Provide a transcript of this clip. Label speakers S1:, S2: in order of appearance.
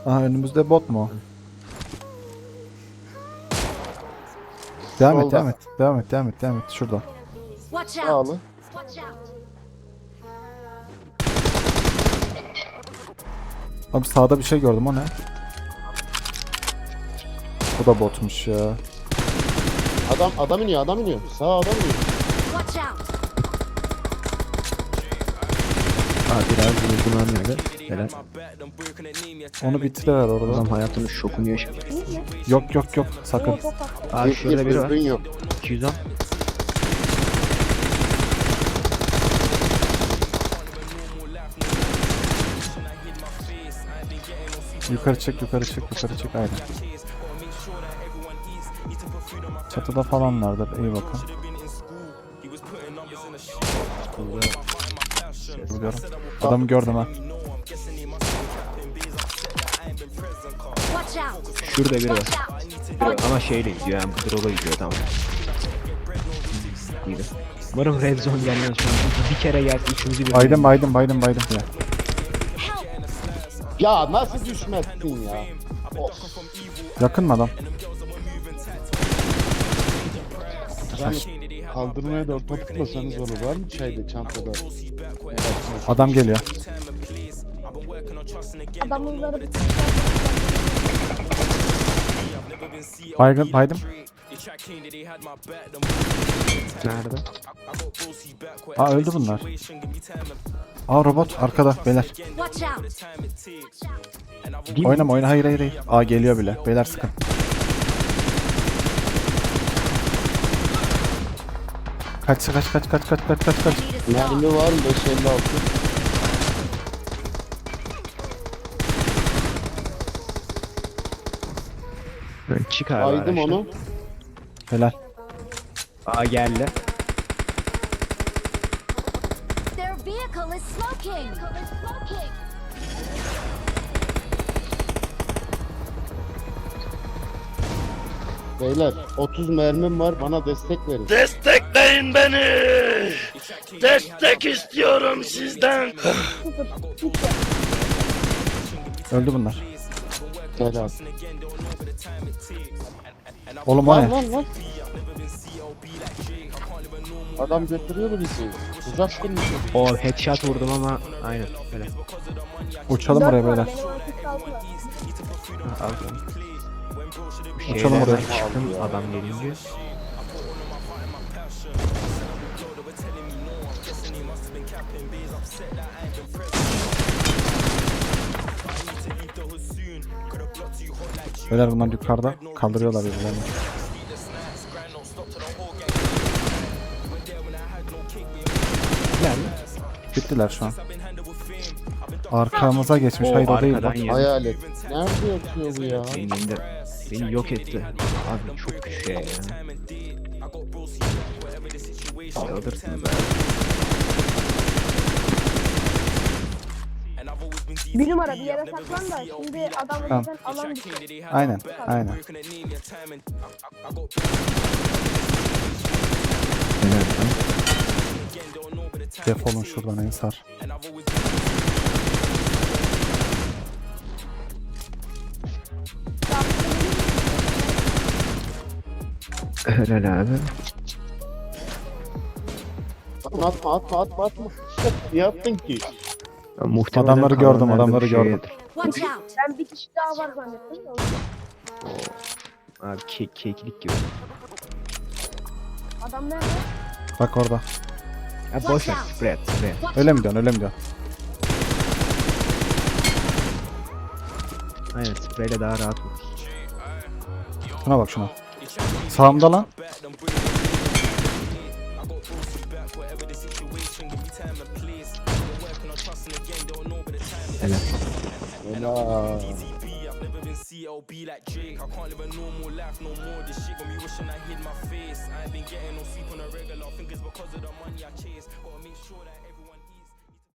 S1: Aha önümüzde bot mu? Devam et,
S2: Solda.
S1: devam et. Devam et, devam et, devam et. Şurada.
S3: Watch out!
S2: Sağlı.
S3: Watch out!
S1: Abi sağda bir şey gördüm, o ne? Bu da botmuş ya.
S2: Adam iniyor, adam iniyor. Sağ adam iniyor.
S3: Watch out!
S4: Aa biraz vurdum öyle. Helal.
S1: Onu bitiriver orada.
S4: Adam hayatının şokunu yaşadı.
S1: Yok yok yok, sakın.
S4: Aa şurada biri var.
S2: Düzgün yok.
S4: 210.
S1: Yukarı çek, yukarı çek, yukarı çek. Aynen. Çatıda falanlardır. İyi bakın. Biliyorum. Adamı gördüm ha.
S3: Watch out!
S4: Şurada biri var.
S3: Watch out!
S4: Ama şeyle gidiyor yani. Drop'a gidiyor tamam. İyiydi. Umarım red zone gelmez şu an. Çünkü bir kere gelse üçümüzü bir.
S1: Baydım ya.
S2: Ya nasıl düşmezsin ya? Of.
S1: Yakın mı adam?
S2: Yani kaldırmaya da orta tutmasanız olur. Var mı çayda, çantada?
S1: Adam geliyor.
S5: Adamları
S1: Baydım.
S4: Nerede?
S1: Aa öldü bunlar. Aa robot arkada beyler.
S3: Watch out!
S1: Oyna. Hayır. Aa geliyor bile. Beyler sıkın. Kaç.
S2: Mermi var mı? 556.
S4: Çık abi.
S2: Aydım
S4: araçtan.
S2: onu.
S1: Helal.
S4: Aa geldi.
S3: Their vehicle is smoking!
S2: Beyler 30 mermim var, bana destek verin.
S6: Destekleyin beni. Destek istiyorum sizden.
S1: Öldü bunlar.
S2: Helal.
S1: Oğlum o ne?
S2: Lan. Adam götürüyor bizi. Uzak kurmuş.
S4: O headshot vurdum ama aynen öyle.
S1: Uçalım oraya beyler.
S4: Aldım.
S1: Uçalım oraya.
S4: Çıktım adam gelince.
S1: Beyler bunlar yukarıda. Kaldırıyorlar birbirlerini. Bittiler şu an. Arkamıza geçmiş.
S4: O
S1: Hayır o değil.
S4: arkadan
S1: Bak.
S4: yedi.
S2: Hayalet. Nerede yatıyor bu ya?
S4: Beni yok etti. Abi çok güçlü ya. Alırsın be.
S5: bir numara bir yere saklan da şimdi adam
S1: Tamam.
S5: zaten alan dışı.
S1: Aynen. Defolun şuradan Ensar.
S4: Helal abi.
S2: Atma. Ne yaptın ki?
S4: Muhtemelen
S1: Adamları gördüm,
S4: kalanlar da
S1: adamları
S4: bir
S1: gördüm.
S4: şeydir.
S3: Watch out!
S5: Ben bir kişi daha var zannettim.
S4: Abi keklik gibi.
S5: Adam nerede?
S1: Bak orada.
S4: Ya boş ver. Spread.
S1: Öyle mi diyorsun?
S4: Aynen spreyle daha rahat olur.
S1: Şuna bak şuna. Sağımda lan.
S4: Helal.
S2: Helal.
S6: COB like Drake. I can't live a normal life no more. This shit got me wishing I hid my face. I ain't been getting no sleep on a regular. I think it's because of the money I chase. Gotta make sure that